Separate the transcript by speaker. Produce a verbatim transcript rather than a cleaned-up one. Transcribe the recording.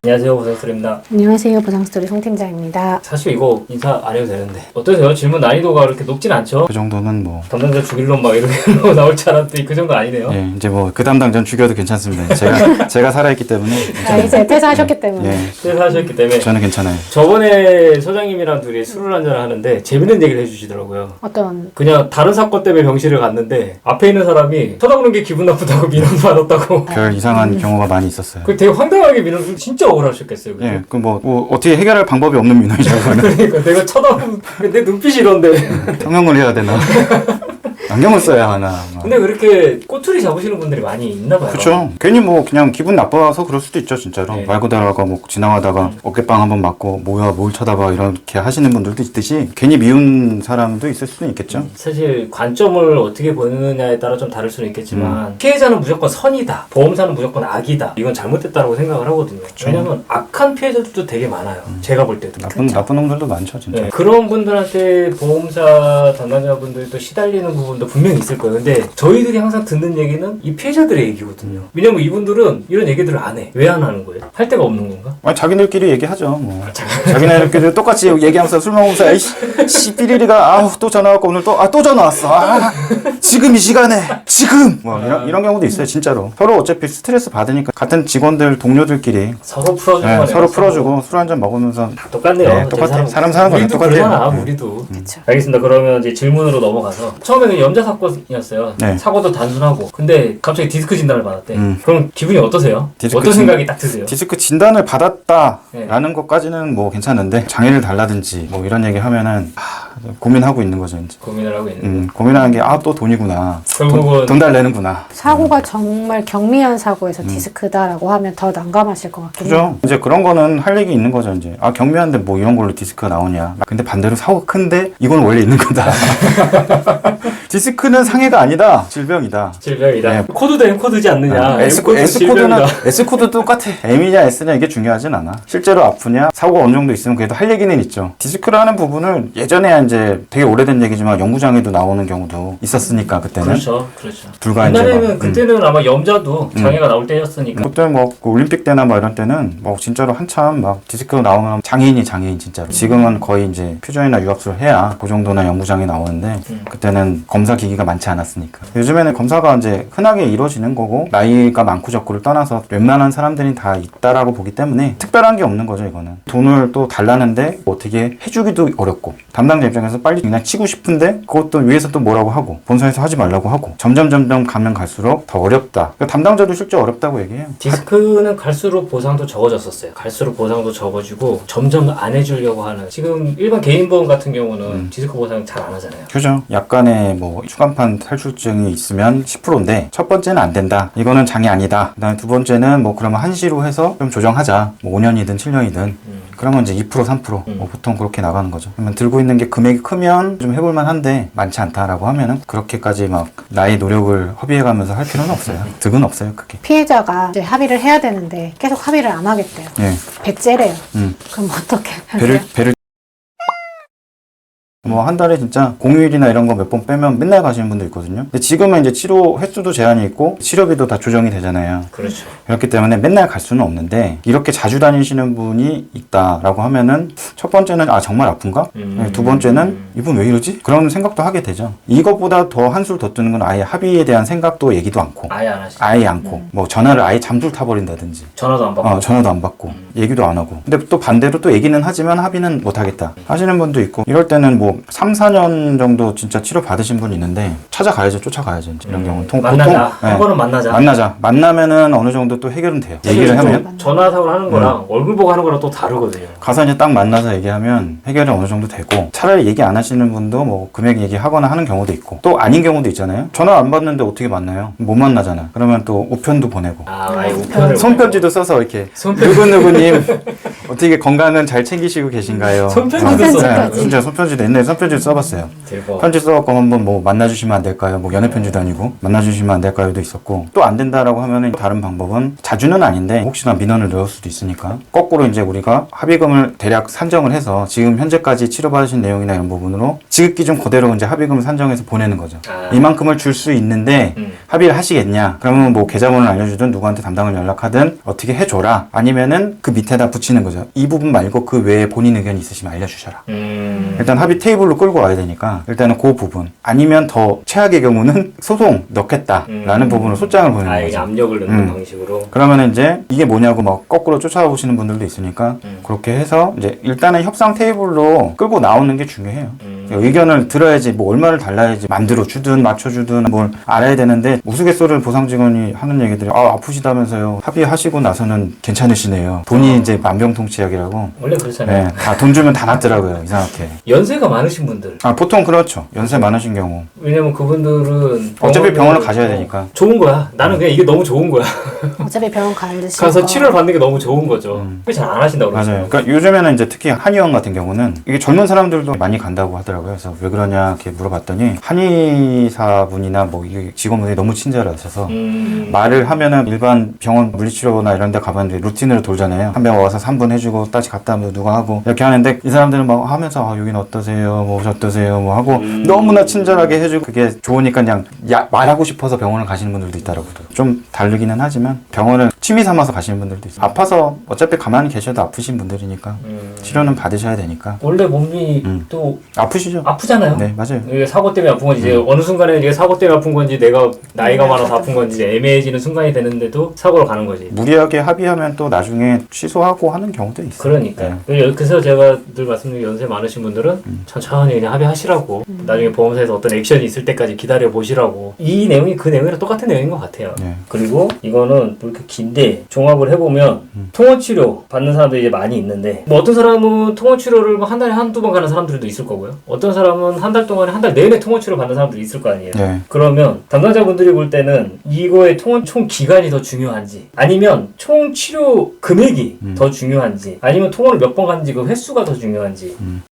Speaker 1: 안녕하세요, 보상스토리입니다.
Speaker 2: 안녕하세요, 보상스토리 송 팀장입니다.
Speaker 1: 사실 이거 인사 안 해도 되는데 어떠세요? 질문 난이도가 그렇게 높진 않죠?
Speaker 3: 그 정도는 뭐
Speaker 1: 담당자 죽일 놈 막 이렇게 나올 줄 알았더니 그 정도 아니네요.
Speaker 3: 예, 이제 뭐 그 담당자는 죽여도 괜찮습니다. 제가 제가 살아있기 때문에
Speaker 2: 아, 이제 퇴사하셨기 때문에.
Speaker 3: 예,
Speaker 1: 퇴사하셨기 때문에
Speaker 3: 저는 괜찮아요.
Speaker 1: 저번에 소장님이랑 둘이 술을 한잔 하는데 재밌는 얘기를 해주시더라고요.
Speaker 2: 어떤
Speaker 1: 그냥 다른 사건 때문에 병실을 갔는데 앞에 있는 사람이 쳐다보는 게 기분 나쁘다고 민원 받았다고.
Speaker 3: 별 이상한 경우가 많이 있었어요.
Speaker 1: 그 되게 황당하게 민원 진짜 억울하셨겠어요. 그죠?
Speaker 3: 예, 그 뭐 뭐 어떻게 해결할 방법이 없는 민원이죠. 그거는
Speaker 1: 그러니까 내가 쳐다보는 내 눈빛이 이런데.
Speaker 3: 성형을 해야 되나? 안경을 써야 하나? 막.
Speaker 1: 근데 그렇게 꼬투리 잡으시는 분들이 많이 있나 봐요.
Speaker 3: 그렇죠. 괜히 뭐 그냥 기분 나빠서 그럴 수도 있죠, 진짜로.
Speaker 1: 네.
Speaker 3: 말 그대로가 뭐 지나가다가
Speaker 1: 음.
Speaker 3: 어깨빵 한번 맞고 뭐야 뭘 쳐다봐 이렇게 하시는 분들도 있듯이 괜히 미운 사람도 있을 수도 있겠죠.
Speaker 1: 사실 관점을 어떻게 보느냐에 따라 좀 다를 수는 있겠지만 피해자는 무조건 선이다, 보험사는 무조건 악이다, 이건 잘못됐다고 생각을 하거든요. 왜냐면 악한 피해자들도 되게 많아요. 제가 볼 때도.
Speaker 3: 나쁜 나쁜 놈들도 많죠, 진짜.
Speaker 1: 네, 그런 분들한테 보험사 담당자분들도 시달리는 부분도 분명히 있을 거예요. 근데 저희들이 항상 듣는 얘기는 이 피해자들의 얘기거든요. 왜냐면 이분들은 이런 얘기들을 안 해. 왜 안 하는 거예요? 할 데가 없는 건가?
Speaker 3: 아니 자기들끼리 얘기하죠. 뭐. 자기네들끼리 똑같이 얘기하면서 술 먹으면서 에이씨 씨 삐리리가 아우 또 전화 왔고 오늘 또 아 또 전화 왔어. 아 지금 이 시간에 지금 뭐 이런 이런 경우도 있어요, 진짜로. 서로 어차피 스트레스 받으니까 같은 직원들 동료들끼리
Speaker 1: 서로 풀어주는
Speaker 3: 네,
Speaker 1: 거네.
Speaker 3: 서로 풀어주고 술 한잔 먹으면서
Speaker 1: 다 똑같네요.
Speaker 3: 네, 똑같아. 사람 사는 거는
Speaker 1: 우리도
Speaker 3: 똑같아요.
Speaker 1: 그러잖아,
Speaker 3: 네.
Speaker 1: 우리도.
Speaker 2: 그쵸.
Speaker 1: 알겠습니다. 그러면 이제 질문으로 넘어가서 처음에는 염자 사건이었어요.
Speaker 3: 네.
Speaker 1: 사고도 단순하고. 근데 갑자기 디스크 진단을 받았대.
Speaker 3: 음.
Speaker 1: 그럼 기분이 어떠세요?
Speaker 3: 디스크
Speaker 1: 어떤
Speaker 3: 진-
Speaker 1: 생각이 딱 드세요?
Speaker 3: 디스크 진단을 받았다라는
Speaker 1: 네.
Speaker 3: 것까지는 뭐 괜찮은데 장애를 달라든지 뭐 이런 얘기 하면은 하, 고민하고 있는 거죠, 이제.
Speaker 1: 고민을 하고 있는.
Speaker 3: 음, 고민하는 게 아 또 돈이구나.
Speaker 1: 결국은
Speaker 3: 돈, 돈 달래는구나.
Speaker 2: 사고가 정말 경미한 사고에서
Speaker 3: 음.
Speaker 2: 디스크다라고 하면 더 난감하실 것 같긴 해요.
Speaker 3: 그죠? 이제 그런 거는 할 얘기 있는 거죠, 이제. 아, 경미한데 뭐 이런 걸로 디스크가 나오냐. 근데 반대로 사고가 큰데 이건 원래 있는 거다. 디스크는 상해가 아니다. 질병이다.
Speaker 1: 질병이다.
Speaker 3: 네.
Speaker 1: 코드도 M코드지 않느냐.
Speaker 3: 아, S,
Speaker 1: M코드는
Speaker 3: S코드는,
Speaker 1: 질병이다.
Speaker 3: S코드도 똑같아. M이냐 S냐 이게 중요하진 않아. 실제로 아프냐, 사고가 어느 정도 있으면 그래도 할 얘기는 있죠. 디스크라는 부분을 예전에 이제 되게 오래된 얘기지만 연구장에도 나오는 경우도 있었으니까, 그때는.
Speaker 1: 그렇죠. 그렇죠.
Speaker 3: 불과 이제
Speaker 1: 옛날에는
Speaker 3: 막,
Speaker 1: 그때는 아마 염자도 장애가 나올 때였으니까.
Speaker 3: 그때 뭐, 그 올림픽 때나 뭐 이런 때는 뭐 진짜로 한참 막 디스크 나오면 장애인이 장애인 진짜로. 지금은 거의 이제 퓨전이나 유압수를 해야 그 정도나 연구장이 나오는데
Speaker 1: 음.
Speaker 3: 그때는 검사 기기가 많지 않았으니까. 요즘에는 검사가 이제 흔하게 이루어지는 거고 나이가 많고 적고를 떠나서 웬만한 사람들이 다 있다라고 보기 때문에 특별한 게 없는 거죠, 이거는. 돈을 또 달라는데 뭐 어떻게 해주기도 어렵고 담당자 입장에서 빨리 그냥 치고 싶은데 그것도 위에서 또 뭐라고 하고 본사에서 하지 말라고 하고 점점 점점 가면 갈수록 더 어렵다. 그러니까 담당자도 실제 어렵다고 얘기해요.
Speaker 1: 디스크는 갈수록 보상도 적어졌었어요. 갈수록 보상도 적어지고 점점 안 해주려고 하는. 지금 일반 개인 보험 같은 경우는
Speaker 3: 음.
Speaker 1: 디스크 보상 잘 안 하잖아요.
Speaker 3: 그죠. 약간의 뭐 추간판 탈출증이 있으면 십 퍼센트인데 첫 번째는 안 된다. 이거는 장애 아니다. 그다음에 두 번째는 뭐 그러면 한시로 해서 좀 조정하자. 뭐 오 년이든 칠 년이든.
Speaker 1: 음.
Speaker 3: 그러면 이제 이 퍼센트 삼 퍼센트
Speaker 1: 음.
Speaker 3: 뭐 보통 그렇게 나가는 거죠. 그러면 들고 있는 게 금액이 크면 좀 해볼만 한데 많지 않다라고 하면은 그렇게까지 막 나의 노력을 허비해가면서 할 필요는 없어요. 득은 없어요, 그게.
Speaker 2: 피해자가 이제 합의를 해야 되는데 계속 합의를 안 하겠대요.
Speaker 3: 예.
Speaker 2: 배째래요.
Speaker 3: 음.
Speaker 2: 그럼 어떻게
Speaker 3: 배를
Speaker 2: 하세요?
Speaker 3: 배를 뭐 한 달에 진짜 공휴일이나 이런 거 몇 번 빼면 맨날 가시는 분도 있거든요. 근데 지금은 이제 치료 횟수도 제한이 있고 치료비도 다 조정이 되잖아요.
Speaker 1: 그렇죠.
Speaker 3: 그렇기 때문에 맨날 갈 수는 없는데 이렇게 자주 다니시는 분이 있다라고 하면은 첫 번째는 아 정말 아픈가?
Speaker 1: 음.
Speaker 3: 네, 두 번째는 이분 왜 이러지? 그런 생각도 하게 되죠. 이것보다 더 한술 더 뜨는 건 아예 합의에 대한 생각도 얘기도 않고
Speaker 1: 아예 안 하시죠.
Speaker 3: 아예 않고 뭐 전화를 아예 잠들 타버린다든지
Speaker 1: 전화도 안 받고.
Speaker 3: 어, 전화도 안 받고 얘기도 안 하고 근데 또 반대로 또 얘기는 하지만 합의는 못 하겠다 하시는 분도 있고 이럴 때는 뭐 삼, 사 년 정도 진짜 치료 받으신 분이 있는데 찾아가야죠. 쫓아가야죠. 이제 이런
Speaker 1: 음.
Speaker 3: 경우는 통,
Speaker 1: 만나자.
Speaker 3: 보통,
Speaker 1: 한
Speaker 3: 네.
Speaker 1: 번은 만나자.
Speaker 3: 만나자. 만나면은 어느 정도 또 해결은 돼요. 얘기를
Speaker 1: 사실
Speaker 3: 하면
Speaker 1: 또 전화 사고를 하는 거랑 얼굴 보고 하는 거랑 또 다르거든요.
Speaker 3: 가서 이제 딱 만나서 얘기하면 해결이 어느 정도 되고 차라리 얘기 안 하시는 분도 뭐 금액 얘기하거나 하는 경우도 있고 또 아닌 경우도 있잖아요. 전화 안 받는데 어떻게 만나요? 못 만나잖아. 그러면 또 우편도 보내고
Speaker 1: 아, 아예 우편을.
Speaker 3: 손편지도 써서 이렇게
Speaker 1: 손편-
Speaker 3: 누구누구님 어떻게 건강은 잘 챙기시고 계신가요?
Speaker 1: 손편지도
Speaker 3: 아,
Speaker 2: 써요.
Speaker 3: 네, 진짜 손편지도 옛날에 손편지도 써봤어요.
Speaker 1: 대박.
Speaker 3: 편지 써갖고 한번 뭐 만나주시면 안 될까요? 뭐 연애 편지도 아니고 만나주시면 안 될까요도 있었고 또 안 된다라고 하면은 다른 방법은 자주는 아닌데 혹시나 민원을 넣을 수도 있으니까 거꾸로 이제 우리가 합의금을 대략 산정을 해서 지금 현재까지 치료받으신 내용이나 이런 부분으로 지급 기준 그대로 이제 합의금을 산정해서 보내는 거죠.
Speaker 1: 아.
Speaker 3: 이만큼을 줄 수 있는데
Speaker 1: 음.
Speaker 3: 합의를 하시겠냐? 그러면 뭐 계좌번호를 알려주든 누구한테 담당을 연락하든 어떻게 해줘라. 아니면은 그 밑에다 붙이는 거죠. 이 부분 말고 그 외에 본인 의견이 있으시면 알려주셔라.
Speaker 1: 음.
Speaker 3: 일단 합의 테이블로 끌고 와야 되니까 일단은 그 부분 아니면 더 최악의 경우는 소송 넣겠다라는
Speaker 1: 음.
Speaker 3: 부분으로 소장을 보내는
Speaker 1: 아, 이게
Speaker 3: 거죠.
Speaker 1: 압력을 넣는
Speaker 3: 음.
Speaker 1: 방식으로.
Speaker 3: 그러면 이제 이게 뭐냐고 막 거꾸로 쫓아와 보시는 분들도 있으니까
Speaker 1: 음.
Speaker 3: 그렇게 해서 이제 일단은 협상 테이블로 끌고 나오는 게 중요해요.
Speaker 1: 음.
Speaker 3: 의견을 들어야지 뭐 얼마를 달라야지 만들어 주든 맞춰 주든 뭘 알아야 되는데 우스갯소리를 보상 직원이 하는 얘기들이 아 아프시다면서요. 합의하시고 나서는 괜찮으시네요. 돈이
Speaker 1: 어.
Speaker 3: 이제 만병통치약이라고.
Speaker 1: 원래 그렇잖아요.
Speaker 3: 네, 다 돈 주면 다 낫더라고요. 이상하게.
Speaker 1: 연세가 많으신 분들.
Speaker 3: 아 보통 그렇죠. 연세 많으신 경우.
Speaker 1: 왜냐면 그분들은
Speaker 3: 어차피 병원을
Speaker 1: 병원을-
Speaker 3: 가셔야 되니까.
Speaker 1: 좋은 거야. 나는 그냥 이게 너무 좋은 거야.
Speaker 2: 어차피 병원 가는데
Speaker 1: 가서 치료를 받는 게 너무 좋은 거죠.
Speaker 3: 음.
Speaker 1: 잘 안 하신다고 그러죠.
Speaker 3: 맞아요. 그러니까 요즘에는 이제 특히 한의원 같은 경우는 이게 젊은 사람들도 많이 간다고 하더라고요. 그래서 왜 그러냐 이렇게 물어봤더니 한의사분이나 뭐 이게 직원분이 너무 친절하셔서
Speaker 1: 음.
Speaker 3: 말을 하면은 일반 병원 물리치료나 이런 데 가봤는데 루틴으로 돌잖아요. 한 명 와서 삼 분 해주고 다시 갔다 오면 누가 하고 이렇게 하는데 이 사람들은 막 하면서 아, 여긴 어떠세요? 뭐 어떠세요? 뭐 하고
Speaker 1: 음.
Speaker 3: 너무나 친절하게 해주고 그게 좋으니까 그냥 야, 말하고 싶어서 병원을 가시는 분들도 있더라고요. 좀 다르기는 하지만 병원을 취미 삼아서 가시는 분들도 있어요. 아파서 어차피 가만히 계셔도 아프신 분들이니까
Speaker 1: 음.
Speaker 3: 치료는 받으셔야 되니까
Speaker 1: 원래 몸이
Speaker 3: 음.
Speaker 1: 또
Speaker 3: 아프시죠?
Speaker 1: 아프잖아요.
Speaker 3: 네 맞아요.
Speaker 1: 이게 사고 때문에 아픈 건지 이제
Speaker 3: 음.
Speaker 1: 어느 순간에 이게 사고 때문에 아픈 건지 내가 나이가 많아서 아픈 건지 이제 애매해지는 순간이 되는데도 사고로 가는 거지.
Speaker 3: 무리하게 합의하면 또 나중에 취소하고 하는 경우도 있어요.
Speaker 1: 그러니까
Speaker 3: 네.
Speaker 1: 그래서 제가 늘 말씀드린 연세 많으신 분들은
Speaker 3: 음.
Speaker 1: 천천히 그냥 합의하시라고 나중에 보험사에서 어떤 액션이 있을 때까지 기다려 보시라고. 이 내용이 그 내용이랑 똑같은 내용인 것 같아요.
Speaker 3: 네.
Speaker 1: 그리고 이거는 뭐 이렇게 긴데 종합을 해보면
Speaker 3: 음.
Speaker 1: 통원치료 받는 사람들이 이제 많이 있는데 뭐 어떤 사람은 통원치료를 뭐 한 달에 한두 번 가는 사람들도 있을 거고요. 어떤 사람은 한 달 동안에 한 달 내내 통원치료 받는 사람들이 있을 거 아니에요.
Speaker 3: 네.
Speaker 1: 그러면 담당자분들이 볼 때는 이거의 통원 총 기간이 더 중요한지 아니면 총 치료 금액이
Speaker 3: 음.
Speaker 1: 더 중요한지 아니면 통원을 몇 번 갔는지 그 횟수가 더 중요한지
Speaker 3: 음.